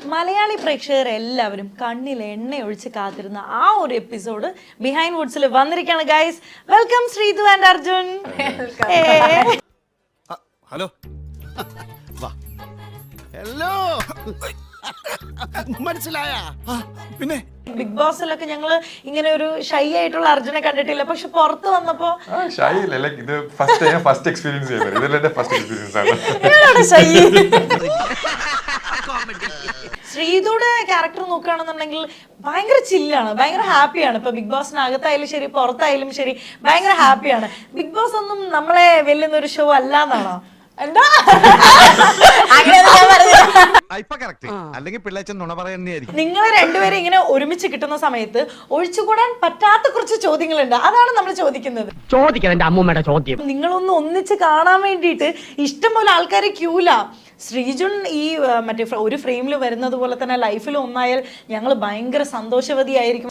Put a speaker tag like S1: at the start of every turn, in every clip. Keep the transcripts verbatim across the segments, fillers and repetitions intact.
S1: മലയാളി പ്രേക്ഷകരെല്ലാവരും കണ്ണിൽ എണ്ണ ഒഴിച്ച് കാത്തിരുന്ന ആ ഒരു എപ്പിസോഡ് ബിഹൈൻഡ് വുഡ്സിൽ വന്നിരിക്കുകയാണ് guys. Welcome Sreethu and Arjun.
S2: Hello hello മനസ്സിലായ പിന്നെ
S1: ബിഗ് ബോസിലൊക്കെ ഞങ്ങള് ഇങ്ങനെ ഒരു ഷൈ ആയിട്ടുള്ള അർജുനെ കണ്ടിട്ടില്ല, പക്ഷെ പുറത്ത് വന്നപ്പോ
S3: ഷൈ അല്ല, ലൈക്ക് ഇത് ഫസ്റ്റ് ഞാൻ ഫസ്റ്റ് എക്സ്പീരിയൻസ് ചെയ്യുന്നത്. ഇതെല്ലാം എന്റെ ഫസ്റ്റ് എക്സ്പീരിയൻസ് ആണ്. ശ്രീതുടെ ക്യാരക്ടർ നോക്കുകയാണെന്നുണ്ടെങ്കിൽ ഭയങ്കര ചില്ലാണ്, ഭയങ്കര ഹാപ്പിയാണ്. ഇപ്പൊ ബിഗ് ബോസിനകത്തായാലും ശരി പുറത്തായാലും ശരി ഭയങ്കര ഹാപ്പിയാണ്. ബിഗ് ബോസ് ഒന്നും നമ്മളെ വെല്ലുന്ന ഒരു ഷോ അല്ലാന്നാണോ? എന്താ നിങ്ങൾ രണ്ടുപേരും ഇങ്ങനെ ഒരുമിച്ച് കിട്ടുന്ന സമയത്ത് ഒഴിച്ചുകൂടാൻ പറ്റാത്ത കുറച്ച് ചോദ്യങ്ങളുണ്ട്, അതാണ് നമ്മൾ ചോദിക്കുന്നത്. ചോദ്യം നിങ്ങളൊന്ന് ഒന്നിച്ച് കാണാൻ വേണ്ടിയിട്ട് ഇഷ്ടംപോലെ ആൾക്കാരെ ക്യൂല. ശ്രീജുൻ ഈ മറ്റേ ഒരു ഫ്രെയിമിൽ വരുന്നത് പോലെ തന്നെ ലൈഫിൽ ഒന്നായാൽ ഞങ്ങൾ ഭയങ്കര സന്തോഷവതിയായിരിക്കും.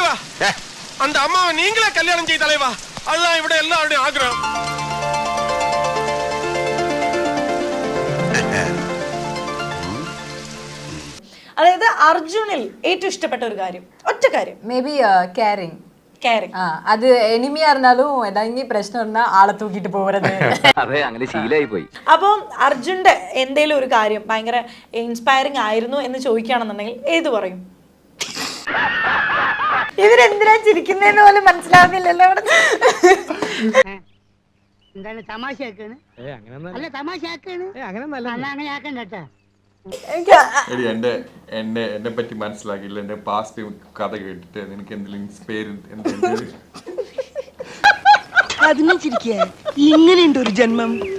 S3: അതായത് അർജുനിൽ ഏറ്റവും ഇഷ്ടപ്പെട്ട ഒരു കാര്യം, ഒറ്റ കാര്യം,
S4: മേ ബി കെയറിങ്.
S1: കെയറിങ്
S4: അത് എനിമിയാ இருந்தாலும் ഏതെങ്കിലും പ്രശ്നം ഉണ്ടെന്നാ ആളെ തൂക്കിട്ട് പോകരുത്.
S5: അതെ, അങ്ങനെ ശീലമായി പോയി.
S1: അപ്പം അർജുന്റെ എന്തേലും ഒരു കാര്യം ഭയങ്കര ഇൻസ്പയറിംഗ് ആയിരുന്നു എന്ന് ചോദിക്കുകയാണെന്നുണ്ടെങ്കിൽ ഏത് പറയും? ഇവരെന്തിനാ ചിരിക്കുന്നതെന്ന് പോലും മനസ്സിലാവുന്നില്ലല്ലോ. അവിടെ
S6: എന്താണ് തമാശയാക്കാണ്? അല്ല തമാശയാക്കാണ്, അങ്ങനെ ആക്കണ്ട കേട്ടാ.
S3: എടി എന്റെ എന്നെ എന്നെ പറ്റി മനസ്സിലാക്കിയില്ല, എന്റെ പാസ്റ്റ് കഥ കേട്ടിട്ട് നിനക്ക് എന്തെങ്കിലും ഇൻസ്പയർ
S6: അതിനെ ചിരിക്കുക ഇങ്ങനെയുണ്ട് ഒരു ജന്മം.